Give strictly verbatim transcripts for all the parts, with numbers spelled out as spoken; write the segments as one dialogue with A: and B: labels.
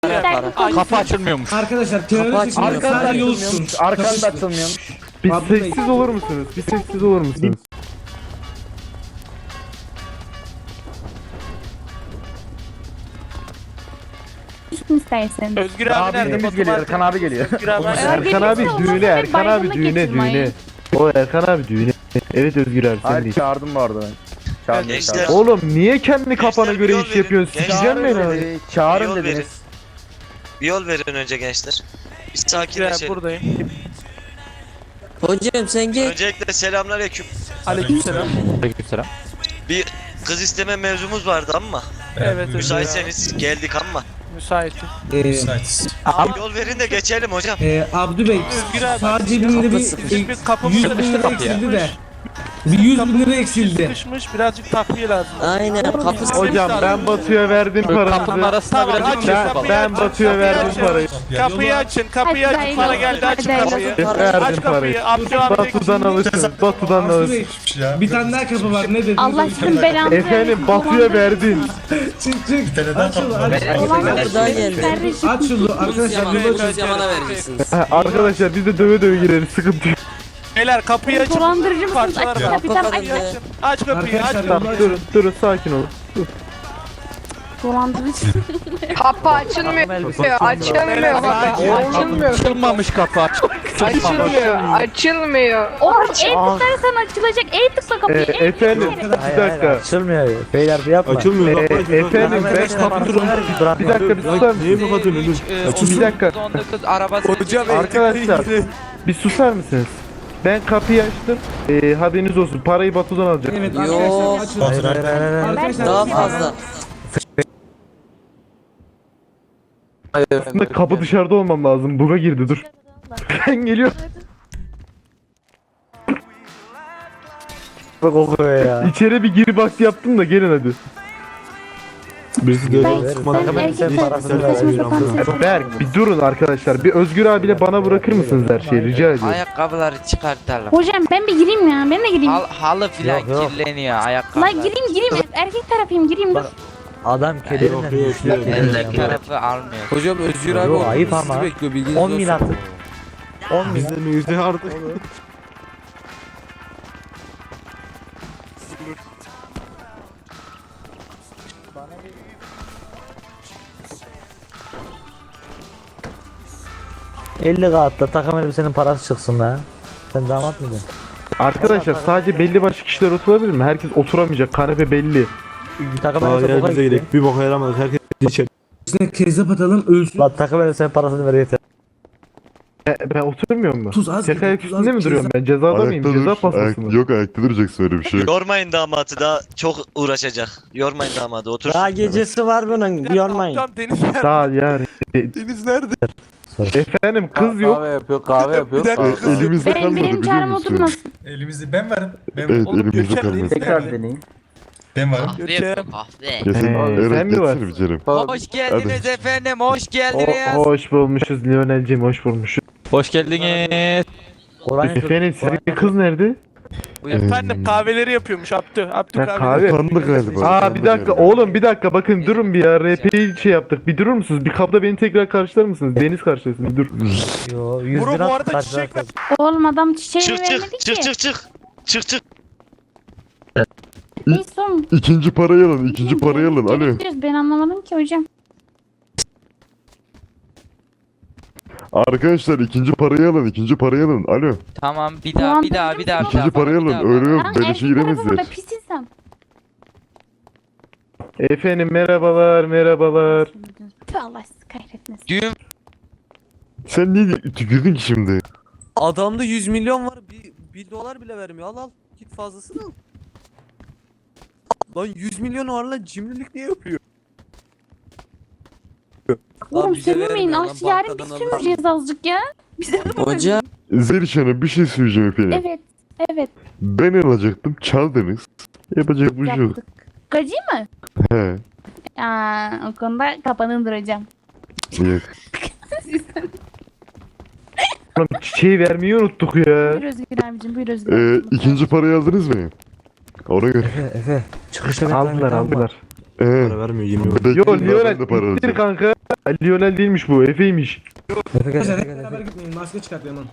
A: Ay, kapı açılmıyormuş.
B: Arkadaşlar terörist sadece yolsun.
C: Arkanda açılmıyormuş.
D: Bir
B: Abi-
D: sessiz olur musunuz? Bir sessiz olur musunuz?
E: Üstün istersen.
A: Özgür abi nerede?
D: Abimiz
A: Batu
D: geliyor,
A: Market.
D: Erkan abi geliyor.
A: Özgür abi nerede?
D: Erkan abi
E: Öyle
D: düğüne,
E: olmasa
D: Erkan abi
E: bayramlık
D: düğüne,
E: getirmeyin.
D: düğüne. O Erkan abi düğüne. Evet Özgür abi sen
C: Hayır
D: değil.
C: çağırdım bu arada ben. Çağırdım.
F: Gençler.
C: çağırdım.
D: Oğlum niye kendi kafana
F: Gençler,
D: göre
F: bir yol
D: iş
F: verin.
D: yapıyorsun?
F: Gençler,
D: Sikeceğim beni
C: Çağırın
D: abi.
C: dedi, çağırın
F: Yol
C: dediniz.
F: verin. Bir yol verin önce gençler. Bir
A: Özgür abi
F: sakinleşelim.
A: buradayım.
G: Hocam sen gel.
F: Öncelikle selamünaleyküm.
A: Aleykümselam.
D: Aleykümselam.
F: Bir kız isteme mevzumuz vardı ama.
A: Evet Özgür abi.
F: Müsaitseniz geldik ama.
A: Müsaitim.
B: Ee,
F: Yol verin de geçelim hocam.
B: e, Abdü Bey
A: Özgür abi.
B: sağ cebimde bir
A: Bizim bir kapımız
B: yüz bin
A: sıkıştı
B: lira
A: kapıya.
B: eksildi de. Bir yüz bin lira eksildi.
A: Sıkışmış birazcık takviye lazım.
G: Aynen kapısı.
D: Hocam ben Batu'ya verdim
A: Kapının
D: paranızı.
A: arasına
F: Tamam,
A: birazcık
F: açın,
D: Ben,
A: kapıyı
D: ben
A: açın,
D: Batu'ya
A: kapıyı
D: verdim
A: açın.
D: parayı.
A: Kapıyı açın, kapıyı
E: Hadi
A: açın.
E: hayırlı
A: Para
E: olsun,
A: geldi, açın
E: hadi
A: kapıyı.
E: hayırlı
D: olsun.
A: Aç
D: Verdim parayı.
A: kapıyı. Abdülhamid
D: Batu'dan alırsın. Batu'dan
B: Abdü
D: alırsın.
B: Bey bir tane daha kapı var ne dediniz?
E: Allah sizin belanızı
D: Efendim Batu'ya verdin.
B: Çık çık. Aç şunu aç.
G: Kapı daha geldi.
E: Kardeşim.
B: Aç şunu arkadaşlar.
G: Yaman'a
B: yolu
G: göz yamana vereceksiniz.
D: Ha, arkadaşlar biz de döve döve gireriz. Sıkıntı yok.
A: Beyler kapıyı açın.
E: Dolandırıcı mısınız?
A: Parçalar
E: Aç
A: var.
E: kapıyı tamam aç.
G: Kapıyı
A: Açın. Aç kapıyı, aç
B: Arkadaşlar,
A: kapıyı.
D: Tamam durun durun sakin olun.
E: Dolandırıcı.
H: Kapı açılmıyor. Açılmıyor kapı. Açılmıyor.
A: Açılmamış kapı aç.
H: Açılmıyor. Açılmıyor.
E: Oğlum el tıklarsan açılacak. El tıkla
D: Ee,
E: kapıyı. el
D: efendim
E: tıkla.
D: bir dakika.
C: Açılmıyor. Beyler bir yapma.
D: Açılmıyor. Ee, efendim ben kapatırım. Bir dakika bir susar mısınız? Bir dakika.
A: Hocam
D: Arkadaşlar bir susar mısınız? Ben kapıyı açtım. Ee, haberiniz olsun. Parayı Batu'dan alacak.
B: Evet
G: Yok.
B: arkadaşlar açın. Arkadaşlar
G: Daha fazla.
D: Aslında kapı dışarıda olmam lazım. Buga girdi dur. Ben geliyorum.
C: Bak okuyor ya.
D: İçeri bir gir bak yaptım da gelin hadi.
C: Birisi
E: Ben, ben erkek tarafından saçma sapan ses.
D: Berk bir durun arkadaşlar. Bir Özgür abiyle bana bırakır mısınız her şeyi rica ediyorum.
I: Ayakkabıları çıkartalım.
E: Hocam ben bir gireyim ya. Ben de gireyim.
I: Hal, halı filan
C: Yok, yok.
I: kirleniyor
E: La
I: ayakkabılar.
E: gireyim gireyim. Erkek tarafıyım gireyim dur.
C: Adam kederinden düşüyor.
I: Erkek tarafı almıyor.
G: Hocam Özgür
C: abi Yo, ayıp sizi ama.
G: bekliyor bilginiz
C: on bin atın. on bin. elli kağıtla takım elbisenin parası çıksın la. Sen damat mıydın?
D: Arkadaşlar sadece belli başlı kişiler oturabilir mi? Herkes oturamayacak. Kanepe belli.
C: Takım elbise boka gitti.
J: Bir boka yaramadık herkes içeri.
B: İçine kezzap atalım ölsün.
C: La takım elbisenin parasını ver yeter.
D: E, ben oturmuyor mu?
B: Tuz az.
D: Tek ayak
B: tuz az,
D: üstünde mi duruyorum ben? Cezada mıyım?
J: Ayakta
D: Ceza
J: dur.
D: pastası
J: Ayak,
D: mı?
J: yok ayakta duracaksın öyle bir şey yok.
F: Yormayın damadı daha çok uğraşacak. Yormayın damadı otur.
C: Daha gecesi var bunun. Bir yormayın.
A: Hocam Deniz nerede?
D: Daha yani.
A: Deniz nerede?
D: Efendim kız yok.
G: yapıyor kahve yapıyor.
A: Bir dakika
J: Aa,
A: kız.
J: elimizde
E: Benim,
J: kalmadı
E: benim
J: biliyor
E: çağrım
J: musun?
E: oturmasın.
J: Elimizde ben varım. Ben
D: Evet,
A: Oğlum,
J: elimizde
A: Gökhan
J: kalmadı.
A: Deniz
B: Tekrar
A: nerede?
B: deneyin.
J: Ben varım.
I: Kahve yapıyor kahve.
J: Ya sen,
D: Ee,
J: evet,
D: sen mi var?
J: geçsene bir Kerem.
I: Hoş geldiniz efendim, hoş
D: O,
I: geldiniz.
D: hoş bulmuşuz Lionel'cim hoş bulmuşuz.
A: Hoş geldiniz.
C: Orhan
D: Efendim sizin kız nerede?
A: Efendim kahveleri yapıyormuş Abdü. Abdü
D: Ha,
A: kahve.
D: kahve.
J: Utandı galiba.
D: Aa
J: utandı
D: bir dakika
J: galiba.
D: oğlum bir dakika bakın durun bir ya R P'yi şey yaptık bir durur musunuz? Bir kapta beni tekrar karşılar mısınız? Deniz karşılasın bir dur.
C: Yo yüz
A: Bro
C: lira
A: bu arada
C: karşılar-
A: çiçek ver.
E: Oğlum adam çiçeğimi
F: Çık çık
E: vermedi
F: çık
E: ki.
F: çık çık. Çık çık.
E: Neyse oğlum.
J: İkinci parayı alın, ikinci parayı alın. Alo.
E: Bekliyoruz, ben anlamadım ki hocam.
J: Arkadaşlar ikinci parayı alın, ikinci parayı alın. Alo.
I: Tamam bir daha bir daha bir daha bir daha.
J: İkinci parayı
I: bir
J: alın.
I: daha.
J: Öyle yok.
E: Lan
J: Beleşe
E: erkek tarafı burada
J: giremezler.
E: pis insan.
D: Efendim merhabalar merhabalar.
E: Tüh Allah sizi kahretmesin.
I: Düğün
J: Sen niye tükürdün ki şimdi?
G: Adamda yüz milyon var. Bir, bir dolar bile vermiyor. Al al. Git fazlasını al. Lan yüz milyon var lan cimrilik niye yapıyor?
E: Oğlum
G: bize
E: söylemeyin.
G: vermiyor lan,
E: Ah yarın biz
G: bankadan
E: sömüreceğiz azıcık ya. Bize de bakın.
G: Hocam.
J: Zeliş Hanım bir şey söyleyeceğim efendim.
E: Evet. Evet.
J: Ben alacaktım, çaldınız. Yapacak bir şey yok.
E: Yaptık. Gacı mı?
J: He.
E: Aa, o konuda kapanın duracağım.
J: Yok.
D: Oğlum çiçeği vermeyi unuttuk ya.
E: Buyur Özgür abicim buyur Özgür
J: Ee,
E: abicim.
J: ikinci parayı aldınız mı? Ona göre.
C: Efe Efe çıkışta ben
D: Aldılar aldılar.
J: Ee,
D: vermiyor yirmi
J: Yo
D: Yo Lionel
J: de para
D: ittir
J: alacağım.
D: kanka. Lionel değilmiş bu Efe'ymiş.
C: Efe gel,
B: Arkadaşlar
C: Efe
B: hep
C: gel,
B: beraber
C: Efe.
B: gitmeyin. Maske çıkartıyorum.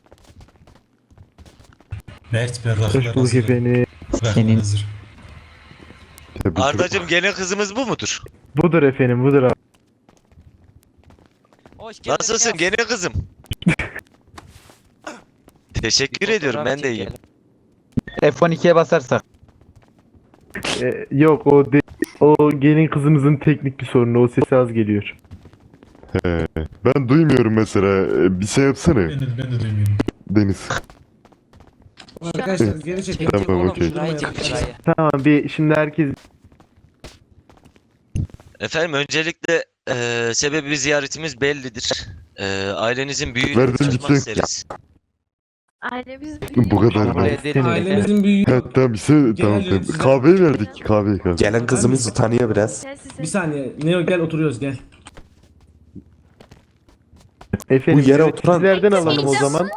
D: Hoş bulduk efendim.
C: Senin.
J: Tebrik
F: Ardacım gene kızımız bu mudur?
D: Budur efendim budur abi.
I: Hoş geldin.
F: Nasılsın gene kızım? Teşekkür ediyorum ben de iyiyim.
C: F on ikiye basarsak.
D: Ee, yok o de, o gelin kızımızın teknik bir sorunu. O sesi az geliyor.
J: He, ben duymuyorum mesela. Ee, Bir şey yapsana.
B: Ben de, ben de duymuyorum.
J: Deniz.
B: Arkadaşlar geri çekin.
J: Tamam,
I: Oğlum
J: okey.
I: şurayı çek şurayı.
D: Tamam bir şimdi herkes
F: Efendim öncelikle eee sebebi ziyaretimiz bellidir. Eee ailenizin büyüğünü
J: Verdim
F: tanımak
J: gitti.
F: isteriz.
E: Ailemiz
J: Bu kadar
I: Kabul
J: da.
I: edelim.
B: Ailemizin büyüğü.
J: He tamam bir şey tamam
B: Gelelim
J: tamam.
B: size.
J: Kahveyi verdik kahveyi kahve.
K: Gelen kızımız utanıyor biraz.
B: Bir saniye. Neo gel oturuyoruz gel.
D: efendim
K: Bu yere
D: evet,
K: oturan-
D: sizlerden alalım o zaman.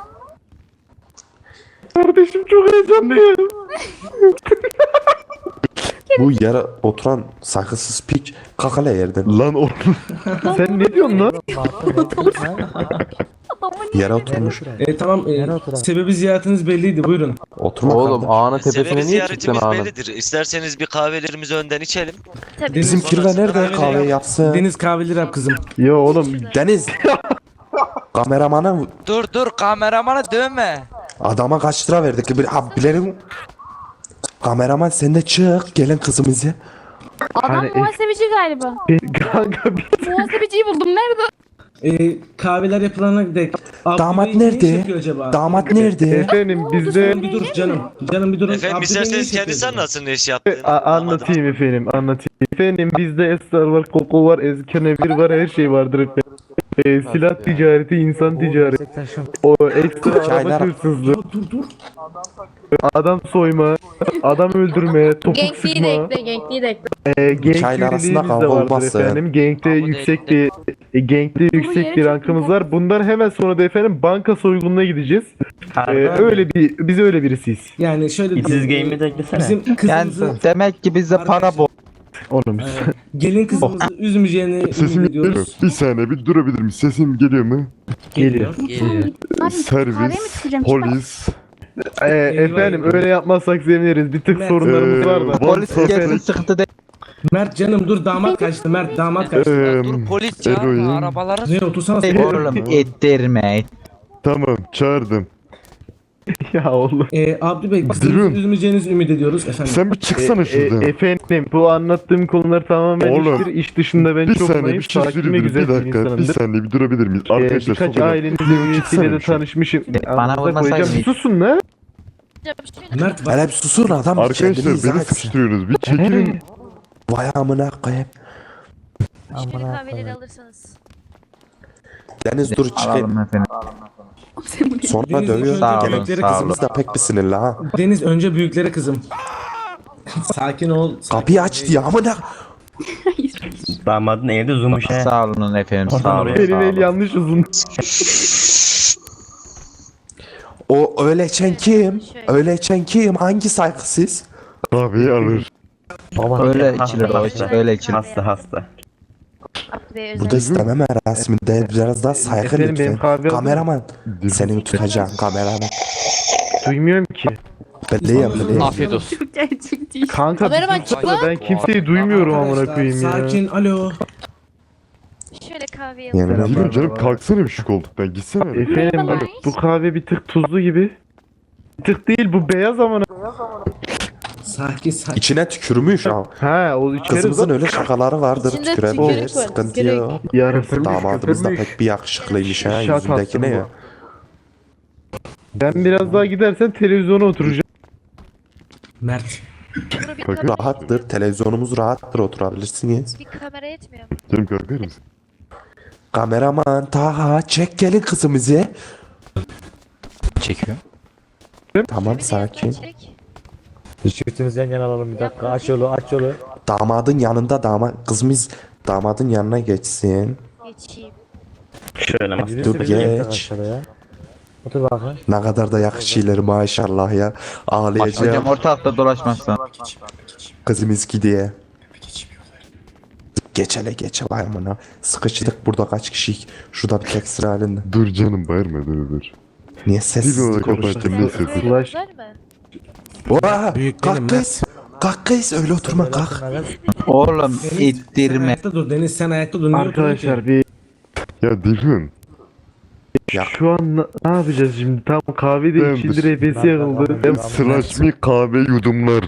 D: Kardeşim çok heyecanlıyım.
K: Bu yere oturan saygısız piç kakala yerden.
J: Lan oğlum.
D: Sen ne diyorsun lan?
K: Yere oturmuş.
B: E, tamam. E,
C: Nereye oturalım?
B: sebebi ziyaretiniz belliydi. Buyurun.
K: Oturma
L: Oğlum
K: kardeş.
L: ağanın
F: Sebebi
L: tepesine niye çıktın
F: ziyaretimiz
L: ağanın?
F: bellidir. İsterseniz bir kahvelerimizi önden içelim.
K: Bizim kirve nerede kahve yapsın?
B: Deniz kahveli rap kızım.
D: Yo oğlum
K: Deniz. Kameramana
I: Dur dur kameramanı dövme.
K: adama kaç lira verdik? Bir abi bilelim. Kameraman sen de çık gelen kızımızı.
E: Adam
D: Hani-
E: muhasebeci galiba.
D: kanka bir
E: Muhasebeciyi buldum. Nerede?
B: E, kahveler yapılana dek. Abdü
K: Damat
B: Bey ne iş
K: nerede?
B: yapıyor acaba?
K: Damat nerede?
D: efendim bizde
B: Canım bir dur canım. Canım bir durun.
F: Efendim
B: Abdü Bey ne
F: isterseniz
B: iş yapıyor
F: kendisi
B: acaba?
F: anlatsın ne iş yaptığını.
D: A- anlatayım efendim anlatayım. Efendim bizde esrar var, koko var, ezkenevir var, her şey vardır efendim. Ee, silah ticareti, insan ticareti, o ekstra araba
K: Çaylar-
D: hırsızlığı,
B: Dur dur.
D: adam soyma, adam öldürme, topuk
H: Genkliği de
D: sıkma,
H: ekle, genkliği de ekle.
D: e, gank
K: Çaylar arasında
D: üyeliğimiz de
K: kavga
D: vardır
K: olmazsa
D: efendim. Gankte
I: Kabul
D: yüksek
I: ettim.
D: bir e, gankte yüksek bir
E: yere
D: rankımız
E: çok
D: var. Bundan hemen sonra da efendim banka soygununa gideceğiz. Ee, öyle bir biz öyle birisiyiz.
B: Yani şöyle
L: İşsiz game'i de eklesene.
B: bizim kızımızı
C: demek ki bizde para bol.
D: Oğlum
B: e, gelin kızımızı üzmeyeceğini
J: Sesim
B: ümit
J: geliyor mu?
B: ediyoruz.
J: Bir saniye bir durabilir miyim? Sesim geliyor mu?
D: geliyor.
I: Geliyor.
E: Abi
J: Servis,
E: kahve mi çıkacağım?
J: polis,
D: Ee, efendim öyle yapmazsak seviniriz. Bir tık
B: Evet.
D: sorunlarımız var da.
J: Ee,
C: Polis
J: Van
C: gelsin
J: Sasek,
C: sıkıntı değil.
B: Mert canım dur damat kaçtı. Mert damat kaçtı.
J: eee,
I: Dur polis çağırma
J: eroin.
I: arabaları.
B: Ne otursana.
C: Oğlum ettirme.
J: Tamam çağırdım.
D: Ya oğlum.
B: E, Abdü Bey kızımızı
J: Dilun.
B: üzmeyeceğinizi ümit ediyoruz efendim.
J: Sen bir çıksana
D: E,
J: şuradan.
D: efendim bu anlattığım konular tamamen
J: Oğlum,
D: iştir. İş dışında ben
J: bir
D: çok
J: saniye bir
D: naif,
J: şey
D: sakin ve
J: söyleyeyim.
D: güzel
J: Bir
D: bir
J: dakika bir
D: insanımdır.
J: saniye bir durabilir miyiz?
D: Ee,
J: Arkadaşlar
D: birkaç
J: çok önemli.
D: ailenizin
J: Bir
D: üyesiyle
J: çıksana
D: de
J: şu an.
D: tanışmışım.
C: Bana
D: Anınıza
C: vurmasaydın
D: koyacağım.
C: hiç.
D: Susun la.
B: Mert bak.
K: Hele bir susun adam bir
J: Arkadaşlar
K: kendini izah
J: beni
K: etsin.
J: sıkıştırıyorsunuz. Bir çekilin.
K: Vay amına koyayım.
E: kahveleri alırsanız.
K: Deniz dur çıkayım.
C: efendim.
K: Sonra
B: Deniz
K: dövüyor.
B: önce
C: Sağ olun,
B: bebekleri
C: sağ
B: kızım.
K: Kızımız da pek bir sinirli ha.
B: Deniz önce büyüklere kızım. Sakin ol. sakin
K: Kapıyı
B: ol.
K: aç diye amına.
L: Damadın evde zoommuş he.
C: Sağ olun efendim sağ olun.
D: Benim el yanlış uzun.
K: O öyle içen kim? Öyle içen kim? Hangi saygısız?
J: Kahveyi alır.
C: Baba öyle içilir o iç- öyle içilir.
L: Hasta hasta.
K: Burada isteme merasiminde biraz daha saygı
D: Efendim, benim
K: lütfen.
D: kahve
K: Kameraman. Seni tutacağım kameraman.
D: Duymuyorum ki.
K: Bekleyeyim bekleyeyim.
A: Afiyet olsun.
D: Kanka
H: Kameraman
D: bir sus da ben kimseyi duymuyorum amına
B: Arkadaşlar,
D: koyayım ya.
B: Sakin alo.
E: Şöyle kahve
K: Yemin ederim.
J: Dilun canım kalksana bir şu koltuktan. Gitsene.
D: Efendim
E: Merhabalar.
D: bu kahve bir tık tuzlu gibi. Bir tık değil bu beyaz amına.
B: Sakin sakin.
K: İçine tükürmüş ha.
D: Ha o içeri
K: Kızımızın öyle şakaları vardır.
H: İçinde
K: Tükürebilir.
H: tükürük var,
K: Sıkıntı
H: tükürük.
K: yok.
D: yarısı
K: Damadımız da pek bir yakışıklıymış ha.
D: Şat
K: Yüzündeki
D: attım
K: ne
D: bu.
K: ya?
D: Ben biraz daha gidersen televizyona oturacağım.
B: Mert.
K: Rahattır. Televizyonumuz rahattır. Oturabilirsiniz.
E: Bir kamera yetmiyor.
J: Canım kalkar mısın?
K: Kameraman Taha çek gelin kızımızı.
A: Çekiyor.
K: Tamam sakin.
C: Çiftimizi yan yana alalım bir dakika. Aç yolu aç yolu.
K: Damadın yanında damat kızımız damadın yanına geçsin.
E: Geçeyim.
L: Şöyle mas.
K: Dur geç.
C: Aşağıya. Otur bakın.
K: Ne kadar da yakışıyorlar maşallah ya. Ağlayacağım.
C: ortalıkta dolaşmazsan.
K: Kızımız ki diye. Geç hele geç vay amına. Sıkıştık burada kaç kişi. Şurada bir tek sıra halinde.
J: Dur canım bağırma dur dur.
K: Niye
J: Bir
K: sessiz
J: ona
K: konuştun?
J: kapatayım neyse dur.
D: Flash.
E: Var mı?
B: Büyük
K: Oha!
B: değilim
K: Kalk
B: ben.
K: kız! Kalk kız öyle oturma kalk.
I: Oğlum
B: Deniz, sen ayakta dur Deniz sen ayakta dur. Niye
D: Arkadaşlar bir
J: Ya Dilhun.
D: şu an na- ne yapacağız şimdi? Tam kahve de
J: Tamamdır.
D: içildi, repesi yakıldı.
J: Hem sıraşmi kahve yudumlar.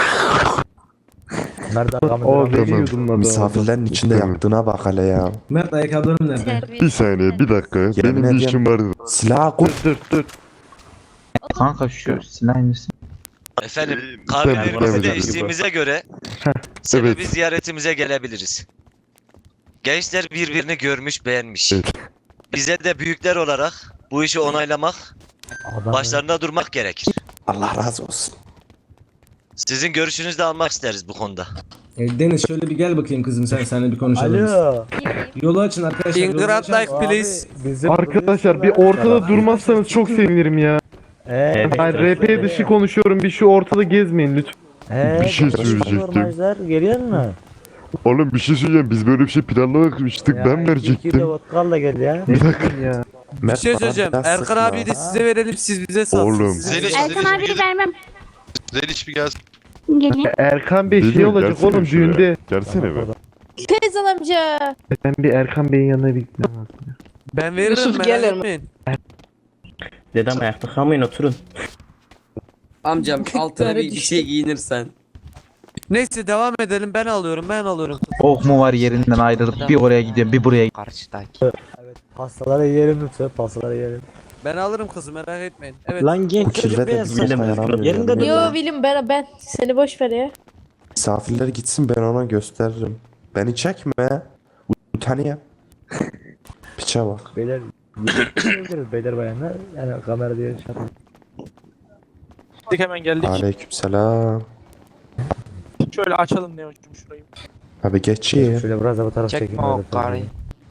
C: Nerede Kamil?
D: O
C: abi?
D: beni
J: Tamam.
D: yudumladı.
K: Misafirlerin içinde
J: Tamam.
K: yaktığına bak hele ya.
B: Mert ayakkabılarım nerede?
E: Terbiyesiz.
J: Bir saniye bir dakika. Benim bir
K: ediyorum.
J: işim vardı.
K: Silah koy.
D: Dur dur.
I: Kanka şu silah misin?
F: Efendim
J: Ben
F: kahvelerimizi de
J: bilemem.
F: içtiğimize göre sebebi
J: Evet.
F: ziyaretimize gelebiliriz. Gençler birbirini görmüş beğenmiş.
J: Evet.
F: Bize de büyükler olarak bu işi onaylamak,
C: Adam-
F: başlarında durmak gerekir.
K: Allah razı olsun.
F: Sizin görüşünüzü de almak isteriz bu konuda.
B: E, Deniz şöyle bir gel bakayım kızım sen seninle bir konuşalım.
C: Alo.
E: Gireyim.
B: Yolu açın arkadaşlar. yolu
G: Ingrat
B: açın.
G: like please.
C: Abi, bizim
D: Arkadaşlar bir ortada durmazsanız çok sevinirim ya.
C: Eee.
D: Hayır R P dışı konuşuyorum. Bir şu ortada gezmeyin lütfen.
C: Eee.
J: Bir şey söyleyecektim.
C: Normalizler geliyor mu?
J: Oğlum bir şey söyleyeceğim. Biz böyle bir şey planlamamıştık. Ben
C: İki kilo
J: verecektim.
C: vodka da gel ya.
D: Ne bileyim ya.
G: Bir şey söyleyeceğim. Erkan abi de size verelim, siz bize satsın.
J: Oğlum.
G: Size-
E: Erkan abi de vermem.
J: Zeliş bir gelsin.
E: Geleyim.
D: Erkan Bey şey
J: Geliyor,
D: olacak
J: gelsene
D: oğlum
J: şuraya.
D: düğünde.
J: Gelsene be.
E: Teyzem amca.
D: Ben bir Erkan Bey'in yanına bir gitmem lazım.
G: Ben veririm,
H: Yusuf,
G: merak
H: gel
G: etmeyin.
L: Dedem ayakta kalmayın oturun.
G: Amcam altına bir, bir şey giyinirsen. Neyse devam edelim, ben alıyorum ben alıyorum.
I: Ok mu var yerinden ayrılıp bir oraya gidiyor bir buraya. Karşıdaki.
C: Pastaları yiyelim lütfen. Pastaları yiyelim.
G: Ben alırım kızı, merak etmeyin. Evet.
C: Lan genç
K: Bu
C: çocuk
K: kirve de
C: beyaz
K: bir
C: saç.
K: sopa yaramıyor.
C: Yerinde dur.
K: yani.
E: Yo bilim ben ben. Seni boş ver ya.
K: Misafirler gitsin ben ona gösteririm. Beni çekme. Utanıyor. Piçe bak.
C: Beyler. Görürüz beyler bayanlar. Yani kamera diye şey yapalım.
A: Geldik hemen geldik.
K: Aleykümselam.
A: Şöyle açalım ne hocam şurayı.
K: Abi geçeyim.
C: Şöyle biraz da bu taraf çekin.
I: Çekme o karıyı.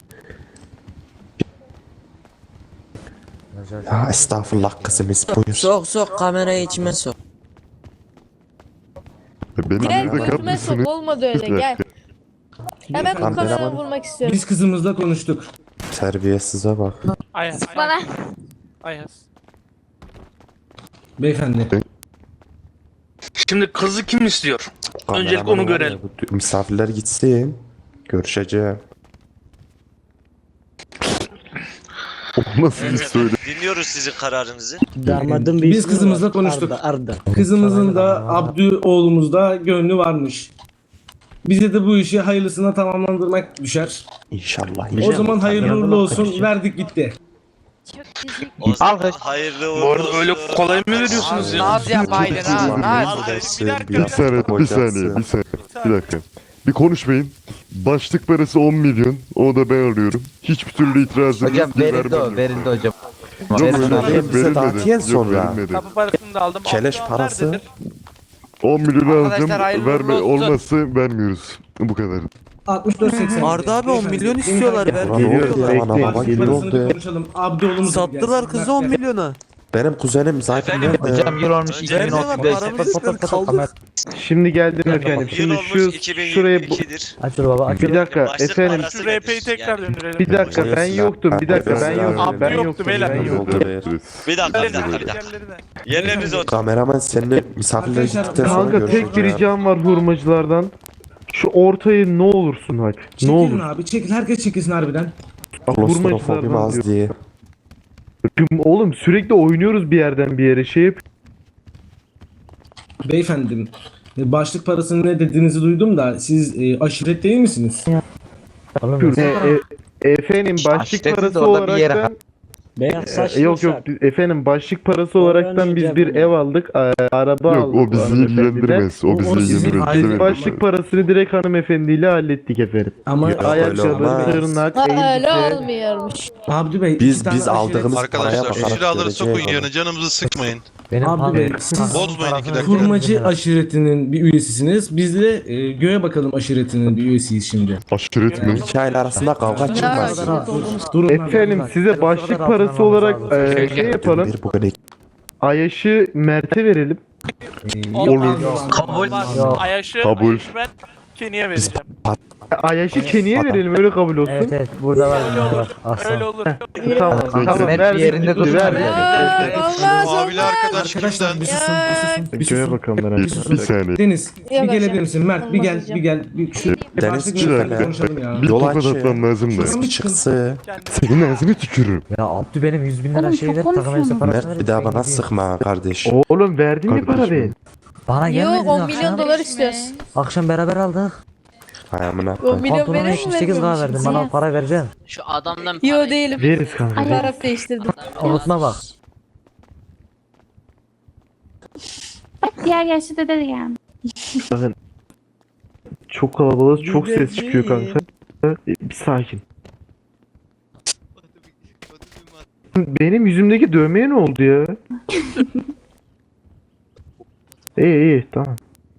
K: Ya estağfurullah kızımız buyur.
I: Sok sok kamerayı içime sok.
J: Benim
E: Gel
J: yerde
E: götüme sok
J: kapısını.
E: olmadı öyle gel. Ya ben bu
K: Kameraman-
E: kameraya vurmak istiyorum.
B: Biz kızımızla konuştuk.
K: Terbiyesize bak.
A: Ayaz.
E: Bana.
A: Ayaz.
B: Beyefendi.
A: Şimdi kızı kim istiyor? Öncelikle
K: Kameraman
A: onu
K: var ya,
A: görelim.
K: bu misafirler gitsin. Görüşeceğim.
J: O nasıl bir söyle.
F: Dinliyoruz sizin kararınızı.
C: Damadın
B: Biz kızımızla konuştuk.
C: Arda, Arda.
B: Kızımızın da Abdü oğlumuzda gönlü varmış. Bize de bu işi hayırlısına tamamlandırmak düşer.
K: İnşallah.
B: O zaman hayırlı uğurlu olsun. Verdik gitti.
E: Çok güzel.
F: O zaman
I: Alkış.
F: hayırlı uğurlu
A: Bu arada
F: olsun.
A: öyle kolay mı veriyorsunuz ya?
I: Naz yapaydın ha. Naz.
J: Bir saniye, bir saniye, bir saniye. Bir dakika. Bir konuşmayın. Başlık parası on milyon. O da ben alıyorum. Hiçbir türlü itirazım
I: Hocam
J: yok. bir
I: verildi o
J: vermem yok.
I: verildi hocam.
J: Yok
I: Verildi
J: öyle
I: hocam.
J: şey
K: Bize
J: verilmedi.
K: dağıtıyor
J: Yok
K: sonra.
J: verilmedi.
A: Kapı parasını da aldım.
K: Keleş
A: Abdü
K: parası.
A: nerededir?
J: on milyon alacağım.
I: Arkadaşlar hayırlı
J: Verme
I: uğurlu olsun.
J: olmazsa vermiyoruz. Bu kadar.
B: altmış dört seksen.
G: Arda abi on milyon istiyorlar, ver.
K: Ulan
D: Geliyoruz,
K: oldu ya,
D: bekleyin.
K: ana baba
B: Başlık
K: gibi
B: parasını
K: oldu
B: bir
K: ya.
B: konuşalım. Abdü oğlumuz
G: Sattılar kızı on milyona.
K: Benim kuzenim zaten
F: Efendim?
K: nerede?
I: Hocam yıl olmuş iki bin
G: Nerede var
I: otuz beş.
G: paramızı sıkın kaldık.
D: Şimdi geldim efendim.
F: Yıl
D: Şimdi
F: olmuş
D: şu şuraya bu...
F: iki bin yirmi iki'dir.
C: Aç şunu baba aç.
D: Bir dakika
F: Başlık
D: efendim.
F: parası
A: Şu R P'yi
F: nedir?
A: tekrar
F: Yani-
A: döndürelim.
D: Bir dakika ben yoktum. Bir dakika ben yoktum.
A: Abdü
D: Ben
A: yoktu
D: yoktum.
A: beyler.
D: Ben yoktum.
K: Oldu be.
F: Bir dakika bir dakika bir dakika. Yerlerinize oturun.
K: Kameraman seninle misafirler
B: Arkadaşlar,
K: gittikten sonra
D: Kanka tek bir
K: görüşeceğim.
D: ricam var hurmacılardan. Şu ortayı ne olursun aç. Ne
B: Çekilin
D: olur.
B: abi çekil. Herkes çekilsin harbiden.
K: Klostrofobim
D: Hurmacılardan
K: az
D: diyor.
K: diye.
D: Oğlum sürekli oynuyoruz bir yerden bir yere şey yap.
B: Beyefendim. e, Başlık parasını ne dediğinizi duydum da siz e, aşiret değil misiniz?
C: Oğlum,
D: E, e, efendim başlık
I: Aşireti de
D: parası
I: orada bir yere-
D: olaraktan
C: beyaz
D: e,
C: saçlı
D: yok yok biz- efendim başlık parası olaraktan biz bir ev aldık, e, araba
J: Yok
D: aldık.
J: o bizi
D: hanımefendiden.
J: ilgilendirmez. O
B: O-
J: bizi
B: o sizin
J: ilgilendirmez.
B: ayrı
D: Biz
J: Evet.
D: başlık parasını direkt hanımefendiyle hallettik efendim.
B: Ama
K: Yok, öyle
D: Ayakkabı,
K: olmaz.
D: tırnak,
E: Ha öyle
D: elbise.
E: olmuyormuş.
B: Abdü Bey
K: Biz
B: iki tane
K: biz
B: aşiret-
K: aldığımız paraya bakarak göreceğiz.
J: canımızı sıkmayın.
C: Benim
B: Abi Bey,
C: abi-
B: siz
J: Bozmayın iki dakika.
B: Kurmacı aşiretinin bir üyesisiniz. Biz de e, Göğe Bakalım aşiretinin bir üyesiyiz şimdi.
J: Aşiret mi?
K: İki aile arasında kavga
E: Ne
K: çıkmaz.
E: aşiret olduğumuz.
B: Durun abi.
D: Efendim size başlık parası olarak e, şey yapalım.
K: Bir bugün iki.
D: Ayaşı Mert'e verelim.
B: E,
J: Olur.
A: Kabul.
C: Yok.
A: Ayaşı.
J: Kabul.
A: Ayaşı ben Kenny'e vereceğim.
D: Ayaşı Kenny'e verelim öyle kabul olsun.
C: Evet evet burada var.
A: Öyle
C: Burada var.
A: olur.
C: Aslan.
A: Öyle olur.
D: Tamam
J: Peki.
D: tamam
I: Mert
D: ver
I: bir yerinde
D: ver,
I: dur.
D: ver.
E: Aa, olmaz
L: Mavili
E: olmaz.
L: arkadaş
B: Arkadaşlar bir susun, bir susun, bir
D: Göğe
B: susun.
D: bakalım
J: Bir,
D: merak
J: bir saniye.
B: Deniz, bir
E: Yavaş
B: gelebilir
E: yavaş.
B: misin? Mert bir
E: Olmaz
B: gel,
E: hocam.
B: bir gel. Bir şu bir
K: Deniz,
B: başlık
K: bir
B: lütfen
J: dakika.
B: konuşalım ya.
J: Bir
K: Yol
J: tokat
K: aç ya.
J: atmam lazım da.
K: Bir çıksı.
J: Senin ağzını tükürürüm.
C: Ya Abdü benim yüz bin lira
H: Oğlum,
C: şey
H: çok
C: ver takım elbise
H: konuşuyorsun.
C: parası ver.
K: Mert bir daha
C: ben
K: bana
C: gideyim.
K: sıkma kardeş.
D: Oğlum verdin mi para
J: Kardeşim.
D: ben?
C: Bana gelmedi.
E: Yok on milyon dolar istiyoruz.
C: Akşam beraber aldık.
K: Hay amına
E: on
K: koyayım.
E: milyon
C: Pantolona
E: verir mi
C: yetmiş sekiz lira verdim.
E: vermemişim?
C: Bana para vereceksin.
H: Şu adamdan
E: Yo değilim.
D: Veririz kanka. veririz.
E: Taraf değiştirdim.
C: Unutma bak.
H: diğer yaşlı dede de geldi.
D: Bakın. Çok kalabalık, çok ses çıkıyor kanka. Bir sakin. Benim yüzümdeki dövmeye ne oldu ya? İyi iyi tamam.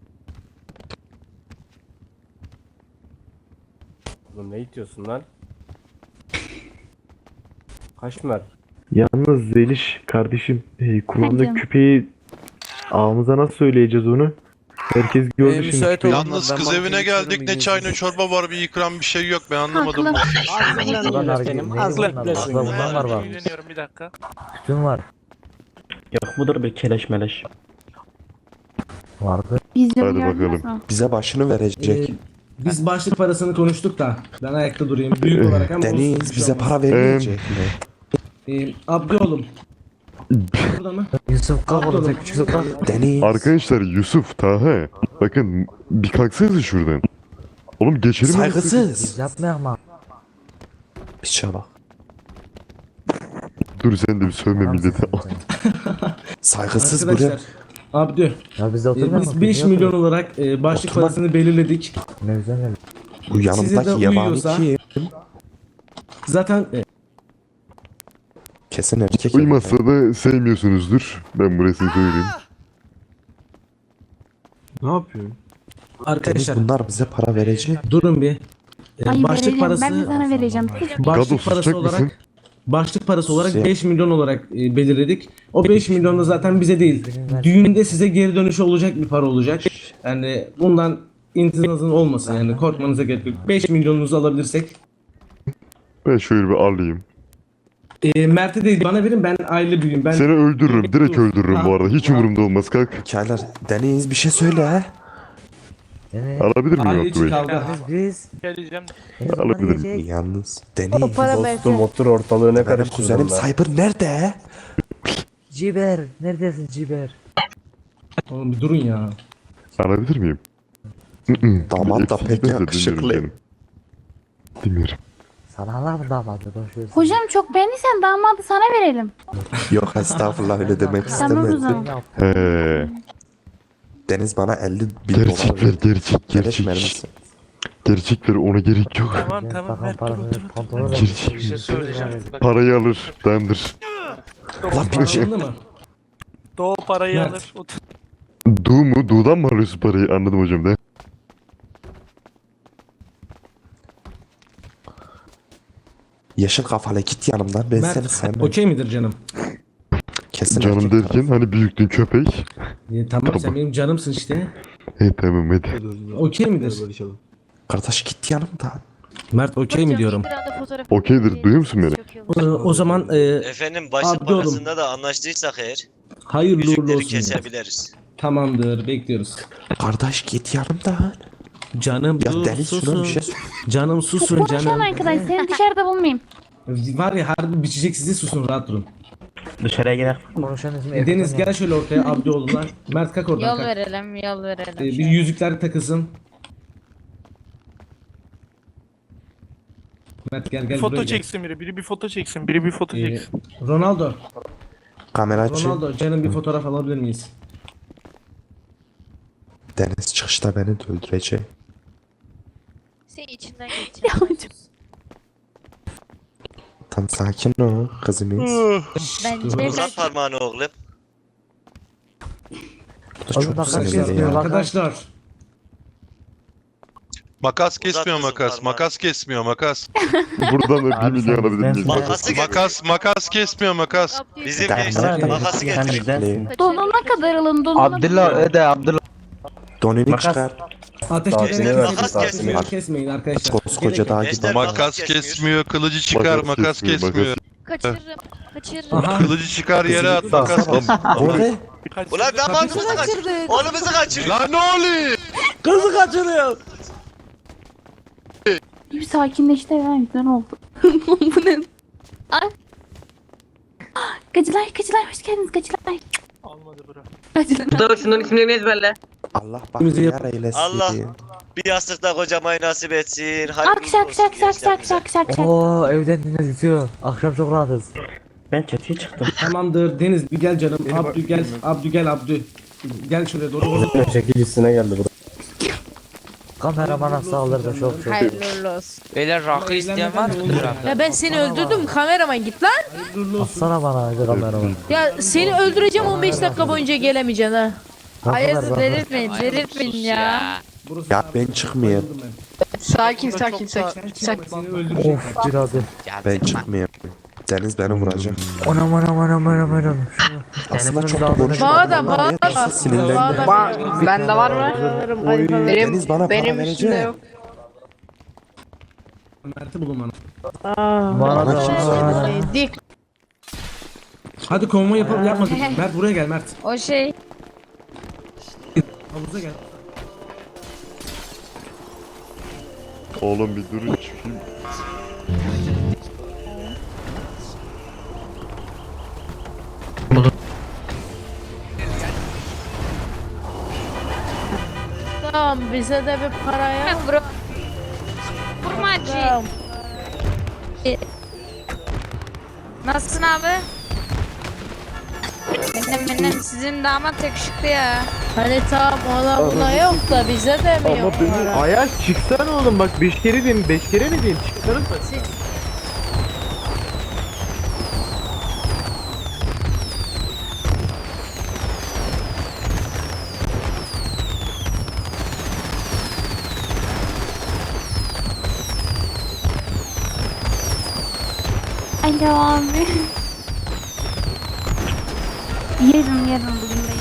G: Oğlum ne itiyorsun lan? Kaç Mert?
D: Yalnız Zeliş kardeşim e, kulağımda
H: Hadi.
D: küpeyi ağımıza nasıl söyleyeceğiz onu? Herkes gördü
G: Ee,
D: şimdi.
G: müsait
D: küpeyi.
G: olun.
L: Yalnız
G: Ben
L: kız
G: bankaya
L: evine
G: geçiyorum,
L: geldik ne
G: İngilizce.
L: çay ne çorba var bir ikram bir şey yok ben anlamadım.
H: Haklı.
C: Bunlar nargile.
G: benim,
C: Neydi
G: az
C: bunlar?
G: beklesin.
C: Akla bundan var bak.
A: Dinleniyorum bir dakika.
C: Tütün var.
L: Yok mudur bir keleş meleş.
C: Vardı.
H: Vizyonu
J: Hadi
H: gördünüz
J: bakalım.
H: mü?
K: Bize başını verecek.
B: Ee, biz başlık parasını konuştuk da ben ayakta durayım büyük olarak ama olsun,
K: Deniz
B: bir şey
K: bize
B: olmaz.
K: para vermeyecek mi?
B: Ee, Abdü oğlum. Burada mı?
C: Yusuf kalk oğlum sen küçük kalk.
K: Deniz.
J: Arkadaşlar Yusuf, Taha. Bakın bir kalksanıza şuradan. Oğlum geçelim.
K: Saygısız.
C: Yapma yapma.
K: Piçe bak.
J: Dur sen de bir sövme millete.
K: Saygısız buraya.
B: Arkadaşlar. Abdü.
C: Ya biz de
B: e,
C: oturmuyor
B: biz
C: musun?
B: beş
C: Niye
B: milyon
C: oturuyoruz?
B: olarak e, başlık
K: Oturma.
B: parasını belirledik.
C: Ne güzel geldi.
K: Bu
B: Size de
K: yanımdaki yabani
B: uyuyorsa-
K: kim?
B: Zaten e,
K: Kesin erkek.
J: Uymazsa da sevmiyorsunuzdur. Ben burasını söyleyeyim.
G: Ne yapıyorsun?
K: Deniz
B: arkadaşlar
K: bunlar bize para verecek.
B: durun bir. E,
H: Ay
B: başlık
H: vereceğim.
B: parası
H: Ben de sana vereceğim.
J: Gado,
B: başlık parası
J: susacak
B: olarak
J: mısın?
B: başlık parası olarak
K: Şey-
B: beş milyon olarak e, belirledik. O beş milyon da zaten bize değil. Düğünde size geri dönüşü olacak bir para olacak. Yani bundan intizazın olmasın yani korkmanıza gerek yok. beş milyonunuzu alabilirsek.
J: Ben şöyle bir alayım.
B: E, Mert'e değil bana verin ben aile büyüğüm. Ben
J: Seni öldürürüm. Direkt öldürürüm bu arada. Hiç umurumda olmaz. Kalk.
K: Hikayeler. Deniz bir şey söyle ha.
C: Yani
J: Alabilir miyim
B: aile
J: Abdü
B: içi
J: Bey?
B: kavga.
C: biz
A: Geleceğim.
J: Alabilirim.
C: biz.
K: Yalnız.
E: O
K: Deniz.
E: para versin.
G: otur ortalığı ne
K: Benim
G: karıştırdın
K: kuzenim
G: lan?
K: Cyber nerede?
C: Ciber. Neredesin Ciber?
B: Oğlum bir durun ya.
J: Alabilir miyim? Hı-hı.
K: Damat da
J: Eksik
K: pek
J: değilse
K: yakışıklı.
J: dinliyorum seni. Dinliyorum.
C: Sana Allah mı damadı? Boş ver.
H: Hocam çok beğendiysen damadı sana verelim.
K: Yok estağfurullah öyle demek
H: Tamam o
K: istemedim.
H: zaman.
J: He.
K: Deniz bana elli bin dolar
J: Gerçekler
K: ver.
J: gerçek
K: Gerek verir
J: gerçek.
K: misin?
J: Gerçekler ona gerek yok.
A: Tamam tamam
C: Takım
A: Mert dur
C: parasını
A: otur.
C: pantolona ver.
J: Gerçek.
A: Bir şey söyleyeceğim. Bak,
J: Parayı alır. Dandır.
K: Lan bir şey.
B: Anladın mı?
A: Doğu parayı
B: Mert.
A: alır. Otur.
J: Du mu? Du'dan mı alıyorsun parayı? Anladım hocam da.
K: Yeşil kafalı git yanımdan ben seni
B: Mert
K: sevmem.
B: okey midir canım?
K: Kesin
J: Canım
K: erkek
J: derken
K: tarafı.
J: hani büyüktün köpek.
B: E, tamam sen benim canımsın işte.
J: He tamam hadi.
B: Okey midir?
K: Kardeş git yanımdan.
B: Mert okey mi diyorum?
J: Okeydir. Duyuyor musun beni?
B: O, o zaman e,
F: Efendim başlık
B: Abdü oğlum.
F: parasında da anlaştıysak eğer
B: hayırlı uğurlu
F: yüzükleri
B: olsun.
F: kesebiliriz.
B: Tamamdır bekliyoruz.
K: Kardeş git yanımdan.
B: Canım
K: Ya
B: dur
K: Deniz şuna
B: susun.
K: bir şey söyle.
B: Canım susun
H: Konuşan
B: canım.
H: arkadaş seni dışarıda bulmayayım.
B: Var ya harbi biçecek sizi susun rahat durun.
L: Dışarıya gidelim.
C: Konuşan ismi
B: E, Deniz
C: Erkan
B: gel şöyle ortaya Abdioğlu'na. Mert kalk oradan
E: Yol
B: kalk.
E: verelim, yol verelim.
B: E, bir yüzükler takılsın. Mert gel
A: Bir
B: gel
A: foto
B: buraya gel.
A: çeksin biri. Biri bir foto çeksin. Biri bir foto
B: E,
A: çeksin.
B: Ronaldo.
K: Kamera açın.
B: Ronaldo canım bir fotoğraf alabilir miyiz?
K: Deniz çıkışta beni de öldürecek.
E: Sen içinden geçeceksin.
K: Tam sakin ol kızımız.
E: Bence
F: Uzat parmağını oğlum.
K: Bu da
C: Oğlum
K: çok
C: bak,
K: sinirli
C: herkes
K: ya.
C: diyor, bak.
B: Arkadaşlar
L: Makas
F: Uzat
L: kesmiyor
F: kızım
L: makas.
F: parmağını.
L: Makas kesmiyor makas.
J: Buradan da bir
C: Abi
J: milyon
C: sen
J: alabilir miyiz?
C: bizdensin.
F: Makası getir.
L: Makas makas kesmiyor makas.
F: Bizim
K: Tamam,
F: gençler
K: tamam.
F: makası getir.
L: bizdensin.
H: Donuna kadar alın donuna.
I: Abdullah öde Abdullah.
K: Donunu
L: Makas.
K: çıkar.
B: Ateş
K: Daha
B: kesmeyin,
K: seni verdim,
F: makas
K: daha
F: kesmiyor.
K: seni
B: kesmeyin arkadaşlar.
K: Koskoca dağ gibi.
F: Gençler
L: Makas kesmiyor, kılıcı çıkar, makas kesmiyor.
E: Kaçırırım. Kaçırırım.
B: Aha.
L: Kılıcı çıkar yere at, makas
K: Bu ne?
F: Ulan damadımızı kaçırdık. Oğlumuzu kaçırdık.
L: Lan ne oluyor?
G: Kızı kaçırıyor.
H: Bir sakinleşti ya güzel oldu. Bu ne? Ay. Gacılar, gacılar hoş geldiniz gacılar.
A: Almadı bura.
H: Gacılar.
M: Mustafa şunların isimlerini ezberle.
K: Allah bak
B: Bizi
K: yar
B: yap-
K: eylesin.
F: Allah. Bir yastıkta kocamayı nasip etsin. Hadi
H: Akşak şak şak şak şak şak şak.
C: Oo evden dinletiyor. Akşam çok rahatız.
L: Ben çatıya çıktım.
B: Tamamdır Deniz bir gel canım. Abdü gel. Abdü gel Abdü. Gel şuraya doğru.
K: Çekilişine geldi bu.
C: Kameramana saldırdı çok çok.
E: Hayırlı olsun.
M: Beyler rakı isteyen var mıdır abi?
E: Ya ben seni öldürdüm kameraman git lan.
C: Atsana bana hadi kameraman.
E: Ya seni öldüreceğim on beş dakika boyunca gelemeyeceksin ha.
C: Hayırdır
E: delirtmeyin delirtmeyin ya.
K: Ya ben çıkmayayım.
E: Sakin sakin sakin. sakin.
B: Seni öldürecek.
C: Of bir hadi.
K: Ben çıkmayayım. Deniz beni vuracak.
C: Anam anam anam anam anam.
K: Aslında çok da
C: Telefonun
K: konuşma.
E: Bana da bana da.
K: Sinirlendi.
E: Bende var mı? Benim,
K: Deniz bana para
E: benim
K: verecek.
E: üstümde yok.
B: Mert'i bulun bana.
C: Bana da var.
E: Dik.
B: Hadi konvoy yapalım yapmadık. Mert buraya gel Mert.
E: O şey.
B: Havuza gel.
J: Oğlum bir durun çıkayım.
E: Tamam bize de bir para ya. Bro. Tamam.
H: Nasılsın abi? Benim benim sizin damat yakışıklı ya.
E: Hani tamam ona buna yok da bize de mi yok para?
D: Ayaz çıksana oğlum bak beş kere diyeyim beş kere mi diyeyim çıksana.
H: Alo abi. Yarın yarın bugün